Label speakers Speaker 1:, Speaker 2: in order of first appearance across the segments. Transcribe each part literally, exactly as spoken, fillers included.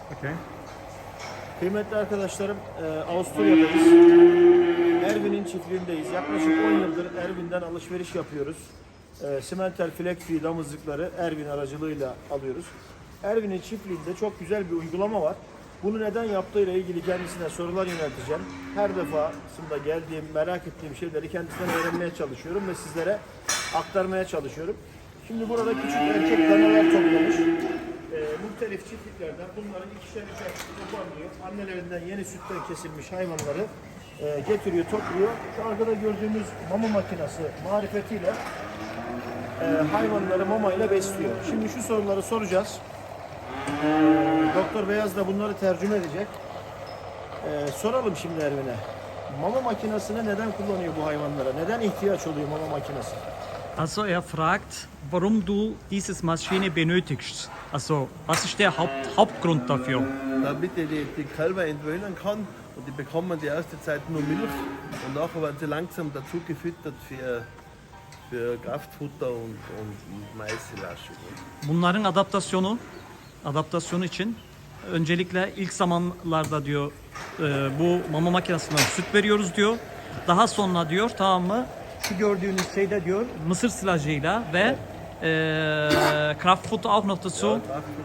Speaker 1: Okay.
Speaker 2: Kıymetli arkadaşlarım, e, Avusturya'dayız. Erwin'in çiftliğindeyiz. Yaklaşık on yıldır Erwin'den alışveriş yapıyoruz. E, Simmental Fleckvieh damızlıkları Erwin aracılığıyla alıyoruz. Erwin'in çiftliğinde çok güzel bir uygulama var. Bunu neden yaptığıyla ilgili kendisine sorular yönelteceğim. Her defasında geldiğim, merak ettiğim şeyleri kendisinden öğrenmeye çalışıyorum ve sizlere aktarmaya çalışıyorum. Şimdi burada küçük erkek danalar toplamış. E, muhtelif çiftliklerden bunların ikişer üçer toparlıyor. Annelerinden yeni sütten kesilmiş hayvanları e, getiriyor, topluyor. Şu arkada gördüğümüz mama makinesi marifetiyle e, hayvanları mamayla besliyor. Şimdi şu soruları soracağız. E, Doktor Beyaz da bunları tercüme edecek. E, soralım şimdi Ervin'e. Mama makinesini neden kullanıyor bu hayvanlara? Neden ihtiyaç oluyor mama makinesi?
Speaker 1: Also er fragt, warum du dieses Maschine benötigst. Also was ist der Haupt, Hauptgrund dafür?
Speaker 3: Damit er die, die Kälber entwöhnen kann und die bekommen die erste Zeit nur Milch und nachher werden sie langsam dazu gefüttert für, für Kraftfutter und, und, und Maissilage.
Speaker 1: Bunların adaptasyonu, adaptasyonu için öncelikle ilk zamanlarda diyor e, bu mama makinesinden süt veriyoruz diyor. Daha sonra diyor, tamam mı? Şu gördüğünüz şeyde diyor mısır silajıyla ve e, Kraftfutter auch noch dazu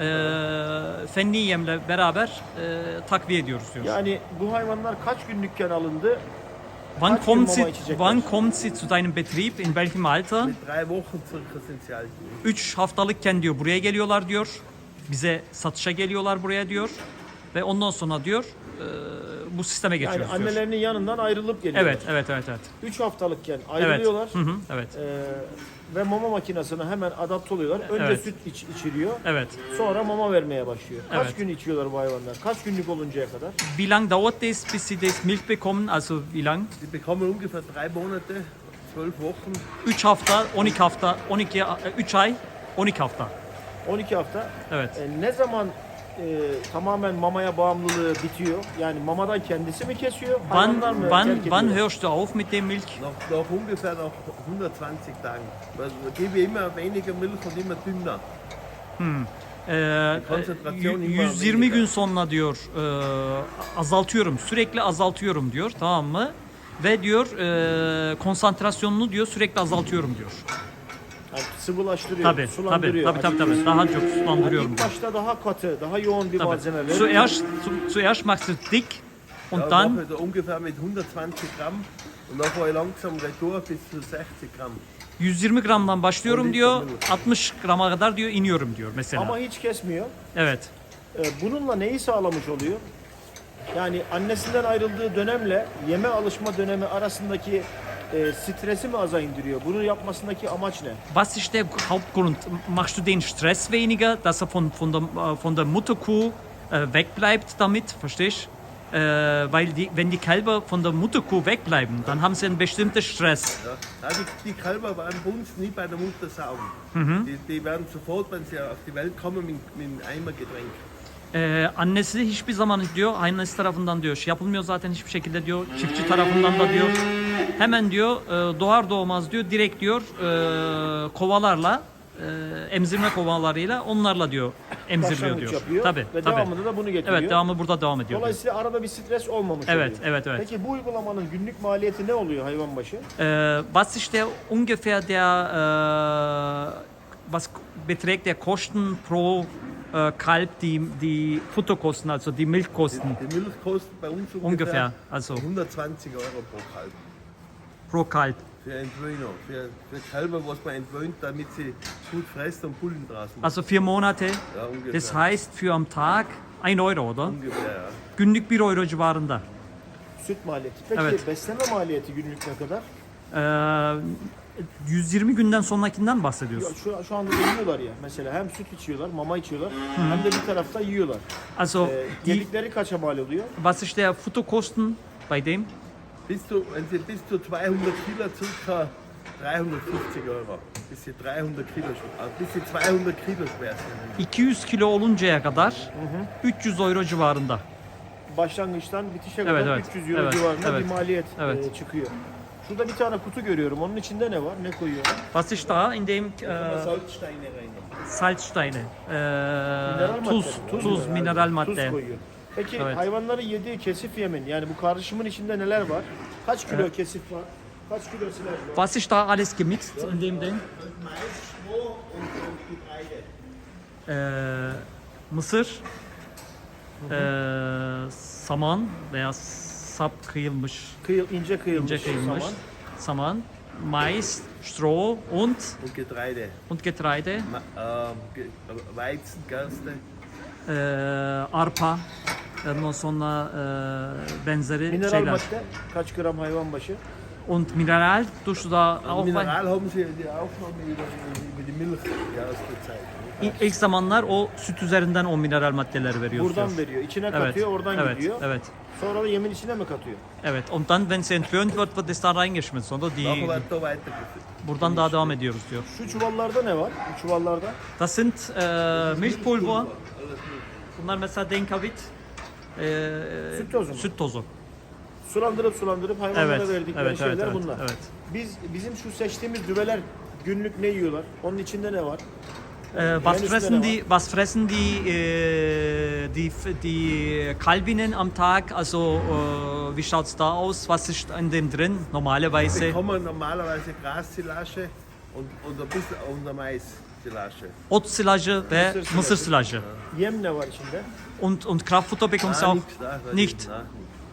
Speaker 1: e, fenli yemle beraber e, takviye ediyoruz diyor.
Speaker 2: Yani bu hayvanlar kaç günlükken alındı?
Speaker 1: Wann
Speaker 2: kaç gün
Speaker 1: kommt
Speaker 2: mama
Speaker 1: sie,
Speaker 2: içecekler?
Speaker 1: wann kommt sie zu deinem Betrieb? In welchem Alter?
Speaker 3: Mit drei Wochen circa sind sie alt.
Speaker 1: üç haftalıkken diyor buraya geliyorlar diyor. Bize satışa geliyorlar buraya diyor. Ve ondan sonra diyor e, bu sisteme
Speaker 2: Yani
Speaker 1: geçiyoruz diyor.
Speaker 2: annelerinin yanından ayrılıp geliyorlar.
Speaker 1: Evet, evet, evet, evet.
Speaker 2: üç haftalıkken
Speaker 1: Evet.
Speaker 2: ayrılıyorlar.
Speaker 1: Hı hı, evet.
Speaker 2: Ee, ve mama makinesine hemen adapte oluyorlar. Önce
Speaker 1: Evet.
Speaker 2: süt iç, içiriyor.
Speaker 1: Evet.
Speaker 2: Sonra mama vermeye başlıyor. Kaç
Speaker 1: Evet.
Speaker 2: gün içiyorlar bu hayvanlar? Kaç günlük oluncaya kadar?
Speaker 1: Wie lang dauert es, bis sie das Milch bekommen? Also wie lang?
Speaker 3: Die bekommen ungefähr drei Monate, zwölf Wochen.
Speaker 1: üç hafta, on iki hafta, on iki, üç ay, on iki hafta.
Speaker 2: on iki hafta.
Speaker 1: Evet.
Speaker 2: Ee, ne zaman e, tamamen mamaya bağımlılığı bitiyor? Yani mamadan kendisi mi kesiyor? Hayvanlar
Speaker 1: Wann,
Speaker 2: mı
Speaker 1: wann,
Speaker 2: terk
Speaker 1: wann
Speaker 2: ediyor?
Speaker 1: hörst du auf mit dem Milch?
Speaker 3: Nach, nach ungefähr nach hundertzwanzig Tagen. Also gebe ich immer weniger Milch und immer dünner.
Speaker 1: Ee,
Speaker 3: konsantrasyon
Speaker 1: y-
Speaker 3: immer
Speaker 1: yüz yirmi
Speaker 3: weniger.
Speaker 1: gün sonra diyor e, azaltıyorum, sürekli azaltıyorum diyor, tamam mı? Ve diyor e, konsantrasyonunu diyor sürekli azaltıyorum diyor.
Speaker 2: Yani sıvılaştırıyor,
Speaker 1: Tabii, tabii,
Speaker 2: sulandırıyor.
Speaker 1: tabii, tabii, tabii. Daha çok
Speaker 2: Yani
Speaker 1: sulandırıyorum
Speaker 2: ilk
Speaker 1: diyor.
Speaker 2: başta daha katı, daha yoğun bir
Speaker 1: Tabii.
Speaker 2: malzeme veriyor.
Speaker 1: Zuerst, zu, zuerst machst du dick und
Speaker 3: Ja,
Speaker 1: dann
Speaker 3: mache ich da ungefähr mit hundertzwanzig Gramm und dann fahre ich langsam retour bis zu sechzig Gramm.
Speaker 1: yüz yirmi gramdan başlıyorum
Speaker 3: On
Speaker 1: diyor,
Speaker 3: litre
Speaker 1: altmış grama kadar diyor iniyorum diyor mesela.
Speaker 2: Ama hiç kesmiyor.
Speaker 1: Evet.
Speaker 2: Ee, bununla neyi sağlamış oluyor? Yani annesinden ayrıldığı dönemle yeme alışma dönemi arasındaki e, stresi mi aza indiriyor? Bunu yapmasındaki amaç ne?
Speaker 1: Was ist der Hauptgrund? Machst du den Stress weniger, dass er von, von, der, äh, von der Mutterkuh äh, wegbleibt damit, verstehst du? Äh, weil die, wenn die Kälber von der Mutterkuh wegbleiben, dann haben sie einen bestimmten Stress.
Speaker 3: Ja. Ja, die, die Kälber waren bei uns nie bei der Mutter saugen.
Speaker 1: Mhm.
Speaker 3: Die, die werden sofort, wenn sie auf die Welt kommen, mit, mit einem Eimer gedrängt.
Speaker 1: Ee, annesi hiçbir zaman diyor, annesi tarafından diyor, şey yapılmıyor zaten hiçbir şekilde diyor, çiftçi tarafından da diyor, hemen diyor e, doğar doğmaz diyor, direkt diyor e, kovalarla, e, emzirme kovalarıyla onlarla diyor, emziriliyor
Speaker 2: Başlangıç
Speaker 1: diyor.
Speaker 2: yapıyor
Speaker 1: Tabii,
Speaker 2: ve
Speaker 1: tabii.
Speaker 2: devamında da bunu getiriyor.
Speaker 1: Evet, devamı burada devam ediyor. diyor.
Speaker 2: Dolayısıyla arada bir stres olmamış
Speaker 1: Evet,
Speaker 2: oluyor.
Speaker 1: evet, evet.
Speaker 2: Peki bu uygulamanın günlük maliyeti ne oluyor hayvan başı?
Speaker 1: Äh, was ist der ungefähr der, äh, was beträgt der Kosten pro äh, Kalb, die, die Futterkosten, also die Milchkosten
Speaker 3: Die Milch kostet bei uns ungefähr,
Speaker 1: ungefähr, also
Speaker 3: hundertzwanzig Euro pro Kalb.
Speaker 1: pro Kalb.
Speaker 3: Für Entwöhner, für, für Kälber, was man entwöhnt, damit sie gut fressen und Bullen draus machen.
Speaker 1: Also vier Monate,
Speaker 3: Ja, ungefähr.
Speaker 1: das heißt für am Tag ein Euro, oder?
Speaker 3: Ungefähr, ja.
Speaker 1: Günlük bir euro civarında.
Speaker 2: Süt maliyeti. Peki
Speaker 1: Evet.
Speaker 2: besleme maliyeti günlük ne kadar?
Speaker 1: Ee, yüz yirmi günden sonrakinden
Speaker 2: Ya
Speaker 1: bahsediyorsun.
Speaker 2: Şu, şu anda yiyorlar ya. Mesela hem süt içiyorlar, mama içiyorlar, hem de bir tarafta yiyorlar.
Speaker 1: Also
Speaker 2: Ee,
Speaker 1: die,
Speaker 2: yedikleri kaça mal oluyor?
Speaker 1: was ist der Futterkosten bei dem?
Speaker 3: Bis zu, wenn sie bis zu zweihundert Kilo circa dreihundertfünfzig Euro. Bis sie dreihundert Kilo, schwer- also bis sie zweihundert Kilo schwer sind.
Speaker 1: iki yüz kilo oluncaya kadar üç yüz euro civarında.
Speaker 2: Başlangıçtan bitişe
Speaker 1: Evet,
Speaker 2: kadar
Speaker 1: evet.
Speaker 2: üç yüz euro
Speaker 1: Evet,
Speaker 2: civarında
Speaker 1: evet.
Speaker 2: bir maliyet
Speaker 1: Evet.
Speaker 2: e, çıkıyor. Şurada bir tane kutu görüyorum. Onun içinde ne var? Ne koyuyorlar?
Speaker 1: Was ist da in dem
Speaker 3: Da kann
Speaker 1: äh,
Speaker 3: man Salzsteine rein.
Speaker 1: Salzsteine? Äh,
Speaker 2: Mineral
Speaker 1: tuz,
Speaker 2: madde.
Speaker 1: tuz,
Speaker 2: mu?
Speaker 1: mineral
Speaker 2: Tuz
Speaker 1: madde.
Speaker 2: koyuyor. Peki
Speaker 1: Evet.
Speaker 2: hayvanların yediği kesif yemin, yani bu karışımın içinde neler var? Kaç kilo kesif var? Kaç kilo silaj var?
Speaker 1: Was ist da alles gemixt in dem Ding?
Speaker 3: Mais, Stroh und, und Getreide.
Speaker 1: Äh, Mısır, äh, saman veya sap kıyılmış,
Speaker 2: Kıyıl, ince kıyılmış,
Speaker 1: ince kıyılmış
Speaker 2: saman.
Speaker 1: saman, mais, Stroh und
Speaker 3: Und Getreide.
Speaker 1: und Getreide,
Speaker 3: Ma, ähm, Ge Weizen, Gerste.
Speaker 1: äh, arpa, ondan sonra äh, benzeri
Speaker 2: Mineral
Speaker 1: şeyler.
Speaker 2: madde kaç gram hayvan başı?
Speaker 1: Und Mineral tust du da auch bei?
Speaker 3: Mineral haben sie die Aufnahme über, über die Milch die erste Zeit. Ne?
Speaker 1: İlk, ilk zamanlar o süt üzerinden o mineral maddeleri veriyoruz.
Speaker 2: Buradan
Speaker 1: diyor.
Speaker 2: veriyor. İçine
Speaker 1: Evet,
Speaker 2: katıyor, oradan
Speaker 1: evet,
Speaker 2: gidiyor.
Speaker 1: evet,
Speaker 2: Sonra da yemin içine mi katıyor?
Speaker 1: evet. Und dann, wenn sie entwöhnt wird, wird es da reingeschmissen, oder? Die,
Speaker 3: Nachher wird da weitergeführt.
Speaker 1: buradan daha devam ediyoruz diyor.
Speaker 2: Şu çuvallarda ne var? Bu çuvallarda.
Speaker 1: Das sind äh, Milchpulver. Bunlar mesela Denkavit. Äh,
Speaker 2: Süt tozu mu?
Speaker 1: Süt tozu.
Speaker 2: Sulandırıp sulandırıp hayvanlara
Speaker 1: Evet,
Speaker 2: verdikleri
Speaker 1: evet,
Speaker 2: şeyler
Speaker 1: evet, evet,
Speaker 2: bunlar.
Speaker 1: evet.
Speaker 2: Biz bizim şu seçtiğimiz düveler günlük ne yiyorlar? Onun içinde ne var?
Speaker 1: Äh, was
Speaker 2: Menüsünde
Speaker 1: fressen
Speaker 2: ne var?
Speaker 1: die? Was fressen die? Äh, die die Kalbinnen am Tag? Also äh, wie schaut's da aus? Was ist in dem drin? Normalerweise.
Speaker 3: Bekommen normalerweise Grassilage und, und ein bisschen und ein Mais-Silage.
Speaker 1: Ot silajı ve
Speaker 2: Mısır silajı.
Speaker 1: mısır silajı.
Speaker 2: Yem ne var içinde?
Speaker 1: Und und Kraftfutter bekommst du
Speaker 3: Ah,
Speaker 1: auch
Speaker 3: nichts, da, da
Speaker 1: nicht.
Speaker 3: da.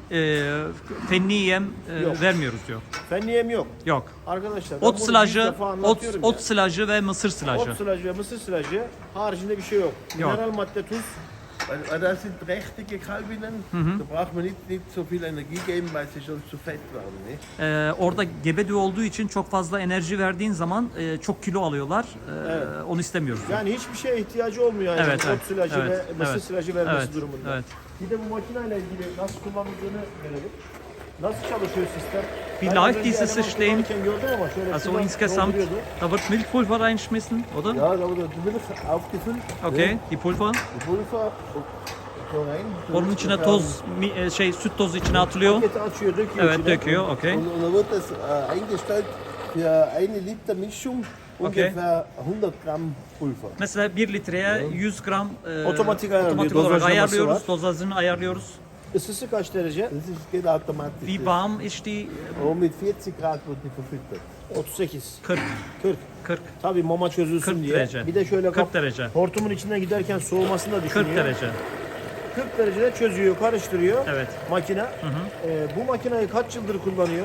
Speaker 1: Äh, fenli yem äh,
Speaker 2: Yok.
Speaker 1: vermiyoruz diyor.
Speaker 2: Fenli yem yok.
Speaker 1: Yok.
Speaker 2: Arkadaşlar ben
Speaker 1: Ot
Speaker 2: bunu yüz
Speaker 1: silajı,
Speaker 2: defa
Speaker 1: ot,
Speaker 2: anlatıyorum
Speaker 1: ot
Speaker 2: ya.
Speaker 1: silajı ve mısır silajı.
Speaker 2: Ot silajı ve mısır silajı haricinde bir şey yok.
Speaker 1: Yok.
Speaker 2: Mineral madde, tuz.
Speaker 3: Weil, weil das sind prächtige Kalbinnen, da braucht man nicht, nicht so viel Energie geben, weil sie schon zu fett waren. Ne?
Speaker 1: Ee, orada gebe düve olduğu için çok fazla enerji verdiğin zaman e, çok kilo alıyorlar. Ee,
Speaker 2: Evet.
Speaker 1: Onu istemiyoruz. diyor.
Speaker 2: Yani hiçbir şeye ihtiyacı olmuyor yani
Speaker 1: Evet,
Speaker 2: ot
Speaker 1: evet,
Speaker 2: silajı
Speaker 1: evet,
Speaker 2: ve mısır
Speaker 1: evet,
Speaker 2: silajı vermesi
Speaker 1: evet,
Speaker 2: durumunda.
Speaker 1: evet.
Speaker 2: Bir de bu makineyle ilgili nasıl kullanıldığını görelim. Nasıl çalışıyor sistem?
Speaker 1: Wie
Speaker 2: Ben az
Speaker 1: läuft
Speaker 2: önce
Speaker 1: dieses
Speaker 2: eleman
Speaker 1: System?
Speaker 2: kullanırken gördüm ama şöyle
Speaker 1: Also
Speaker 2: sudan
Speaker 1: insgesamt,
Speaker 2: dolduruyordu.
Speaker 1: da wird Milchpulver reingeschmissen, oder?
Speaker 3: Ja, da wurde die Milch aufgefüllt.
Speaker 1: Okay,
Speaker 3: Ne?
Speaker 1: die Pulver.
Speaker 3: Die Pulver so rein.
Speaker 1: Onun içine toz, mi- e, şey süt tozu içine atılıyor.
Speaker 2: Paketi açıyor, döküyor
Speaker 1: Evet,
Speaker 2: içine.
Speaker 1: döküyor, okay.
Speaker 3: Und, und dann wird das äh, eingestellt für eine Liter Mischung,
Speaker 1: Okay.
Speaker 3: ungefähr hundert Gramm Pulver.
Speaker 1: Mesela bir litreye yüz gram e,
Speaker 2: Otomatik ayarlıyor,
Speaker 1: otomatik olarak
Speaker 2: dozajlaması
Speaker 1: ayarlıyoruz,
Speaker 2: var.
Speaker 1: dozajını ayarlıyoruz.
Speaker 2: Isısı kaç derece?
Speaker 3: Das ist, geht automatisch.
Speaker 1: Wie warm ist die?
Speaker 3: Und mit vierzig Grad wird die verfüttert.
Speaker 2: otuz sekiz.
Speaker 1: kırk.
Speaker 2: kırk.
Speaker 1: kırk.
Speaker 2: Tabii mama çözülsün
Speaker 1: kırk
Speaker 2: diye.
Speaker 1: derece.
Speaker 2: Bir de şöyle
Speaker 1: kırk
Speaker 2: kap-
Speaker 1: derece.
Speaker 2: hortumun içinden giderken soğumasını da düşünüyor.
Speaker 1: kırk derece.
Speaker 2: kırk derecede çözüyor, karıştırıyor
Speaker 1: Evet.
Speaker 2: makine. Ee, bu makineyi kaç yıldır kullanıyor?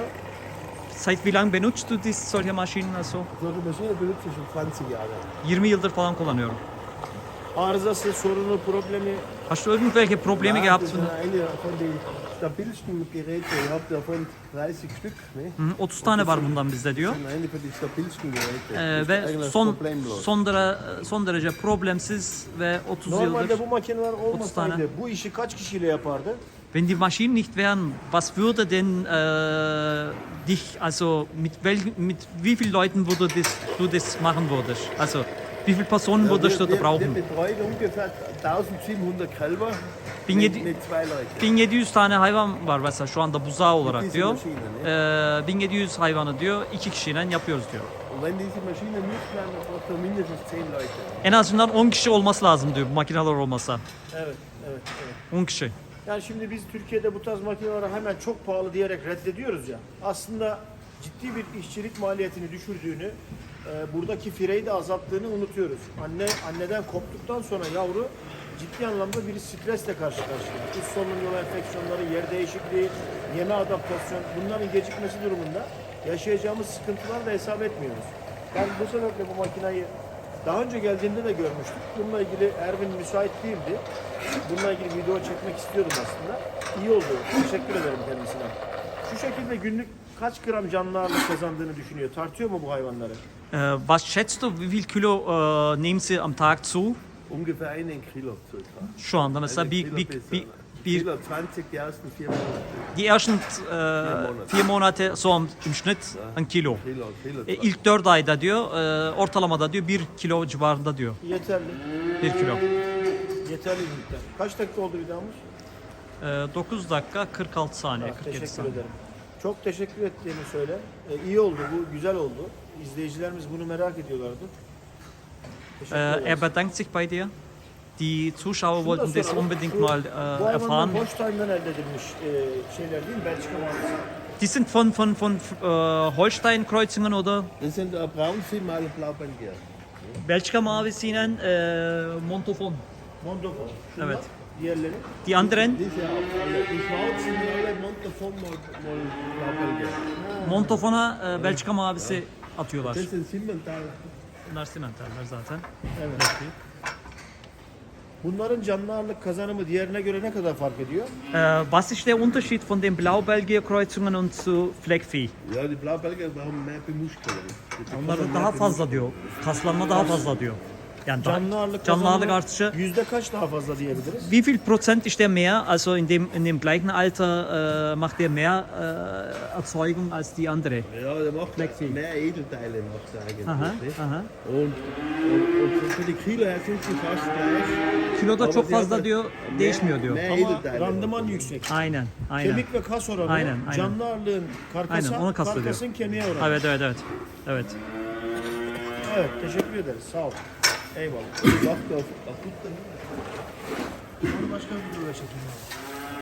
Speaker 1: Seit wie lang benutzt du dies, solche Maschinen also?
Speaker 3: Solche Maschine benutze ich schon zwanzig Jahre.
Speaker 1: yirmi yıldır falan kullanıyorum.
Speaker 2: Arızası, sorunu, problemi
Speaker 1: Hast du irgendwelche Probleme
Speaker 3: Ja,
Speaker 1: gehabt?
Speaker 3: das ist eine von den stabilsten Geräten. Ich habe davon dreißig Stück. Ne?
Speaker 1: Hı, otuz tane var bundan bizde diyor.
Speaker 3: Das sind eine von den stabilsten Geräten.
Speaker 1: Ee,
Speaker 3: Das ist
Speaker 1: ve
Speaker 3: eigentlich
Speaker 1: son
Speaker 3: problemlos.
Speaker 1: son, dere, son derece problemsiz ve otuz
Speaker 2: normalde
Speaker 1: yıldır.
Speaker 2: bu makineler
Speaker 1: tane.
Speaker 2: olmasaydı bu işi kaç kişiyle yapardı?
Speaker 1: Wenn die Maschinen nicht wären, was würde denn äh, dich, also mit, wel, mit wie vielen Leuten würde das, du das machen würdest? Also wie viele Personen
Speaker 3: Ja,
Speaker 1: würdest du
Speaker 3: wir,
Speaker 1: da
Speaker 3: wir, wir
Speaker 1: brauchen?
Speaker 3: betreuen ungefähr eintausendsiebenhundert Kälber
Speaker 1: Bin
Speaker 3: mit,
Speaker 1: yedi-
Speaker 3: mit zwei Leuten.
Speaker 1: bin yedi yüz tane hayvan var mesela şu anda buzağı olarak
Speaker 3: Diese
Speaker 1: diyor.
Speaker 3: Maschine,
Speaker 1: Ee, bin yedi yüz hayvanı diyor iki kişiyle yapıyoruz diyor.
Speaker 3: Und wenn diese Maschine nicht wären, dann braucht man mindestens zehn Leute.
Speaker 1: En azından on kişi olması lazım diyor bu makineler olmasa.
Speaker 2: Evet, evet, evet.
Speaker 1: on kişi.
Speaker 2: Yani şimdi biz Türkiye'de bu tarz makineleri hemen çok pahalı diyerek reddediyoruz ya. Aslında ciddi bir işçilik maliyetini düşürdüğünü, e, buradaki fireyi de azalttığını unutuyoruz. Anne anneden koptuktan sonra yavru ciddi anlamda bir stresle karşı karşıya. Üst solunum yolu enfeksiyonları, yer değişikliği, yeme adaptasyon, bunların gecikmesi durumunda yaşayacağımız sıkıntılar da hesap etmiyoruz. Ben bu sebeple bu makineyi daha önce geldiğimde de görmüştük. Bununla ilgili Ervin müsait değildi. Bununla ilgili video çekmek istiyordum aslında. İyi oldu. Teşekkür ederim kendisine. Şu şekilde günlük kaç gram canlı ağırlık kazandığını düşünüyor? Tartıyor mu bu hayvanları?
Speaker 1: Äh, was schätzt du, wie viel Kilo äh, nehmen sie am Tag zu?
Speaker 3: Ungefähr einen Kilo circa.
Speaker 1: Şu anda mesela
Speaker 3: Einen
Speaker 1: bir,
Speaker 3: Kilo
Speaker 1: bir,
Speaker 3: besser.
Speaker 1: bir, bir,
Speaker 3: Kilo zwanzig, die ersten vier Monate.
Speaker 1: die ersten äh, vier Monate so am- im Schnitt ein Kilo.
Speaker 3: Kilo, Kilo.
Speaker 1: E, ilk dört ayda diyor e, ortalamada diyor bir kilo civarında diyor.
Speaker 2: Yeterli.
Speaker 1: Bir kilo.
Speaker 2: Yeterli bir miktar. Kaç dakika oldu videomuz?
Speaker 1: E, dokuz dakika kırk altı saniye,
Speaker 2: Ha,
Speaker 1: kırk yedi
Speaker 2: teşekkür
Speaker 1: saniye.
Speaker 2: ederim. Çok teşekkür ettiğini söyle. E, iyi oldu bu, güzel oldu. İzleyicilerimiz bunu merak ediyorlardı. Teşekkür
Speaker 1: Äh,
Speaker 2: ederiz.
Speaker 1: er bedankt sich bei dir. Die Zuschauer
Speaker 2: Şunu da
Speaker 1: wollten das
Speaker 2: soralım.
Speaker 1: unbedingt
Speaker 2: Şu-
Speaker 1: mal
Speaker 2: Bu
Speaker 1: äh,
Speaker 2: hayvanlar
Speaker 1: erfahren.
Speaker 2: Holstein'dan elde edilmiş e, şeyler değil mi? Belçika mavisi.
Speaker 1: Die sind von, von, von äh, Holstein-Kreuzungen oder
Speaker 3: Das sind äh, Braunvieh mal Blaubelgier.
Speaker 1: Belçika mavisiyle äh, Montafon.
Speaker 2: Mondofon. Şunlar,
Speaker 1: Evet.
Speaker 2: Diğerleri.
Speaker 3: Die
Speaker 1: Die anderen,
Speaker 3: sind ja auch alle. Die Schwarzen sind alle Montafon mal, mal Blaubelgier.
Speaker 1: Montafon'a äh, Belçika mavisi atıyorlar.
Speaker 3: Das sind Simmental.
Speaker 1: Bunlar simentaller zaten.
Speaker 2: Evet. Bunların canlı ağırlık kazanımı diğerine göre ne kadar fark ediyor?
Speaker 1: Äh, was ist der Unterschied von den Blaubelgier-Kreuzungen und zu Fleckvieh?
Speaker 3: Ja, die Blaubelgier brauchen mehr Bemuschelung. Die bekommen
Speaker 1: Onlarda
Speaker 3: mehr
Speaker 1: daha fazla
Speaker 3: Bemuschelung.
Speaker 1: diyor. Kaslanma daha fazla diyor. Yani daha-
Speaker 2: Canlı ağırlık
Speaker 1: canlı ağırlık
Speaker 2: kazanımı
Speaker 1: artışı.
Speaker 2: yüzde kaç daha fazla diyebiliriz?
Speaker 1: Wie viel Prozent ist der mehr? Also in dem, in dem gleichen Alter äh, macht der mehr äh, Erzeugung als die andere.
Speaker 3: Ja, der macht
Speaker 1: Flexi.
Speaker 3: mehr Edelteile macht er eigentlich.
Speaker 1: Aha,
Speaker 3: nicht?
Speaker 1: aha.
Speaker 3: Und, und, und für die Kilo her sind sie fast gleich.
Speaker 1: Kiloda
Speaker 3: Aber
Speaker 1: çok
Speaker 3: sie haben
Speaker 1: fazla diyor,
Speaker 3: mehr-
Speaker 1: değişmiyor diyor.
Speaker 3: mehr
Speaker 2: Ama
Speaker 3: Edelteile.
Speaker 2: randıman yüksek.
Speaker 1: Aynen, aynen.
Speaker 2: Kemik ve kas oranı,
Speaker 1: Aynen, aynen.
Speaker 2: canlı ağırlığın karkasa,
Speaker 1: Aynen, onu kastediyor.
Speaker 2: karkasın kemiğe oranı.
Speaker 1: Evet, evet, evet. Evet.
Speaker 2: Evet, teşekkür ederiz. Sağ ol. Eyvallah.
Speaker 3: Macht auf, auf Futter.
Speaker 2: Başka bir videoda çekeyim abi.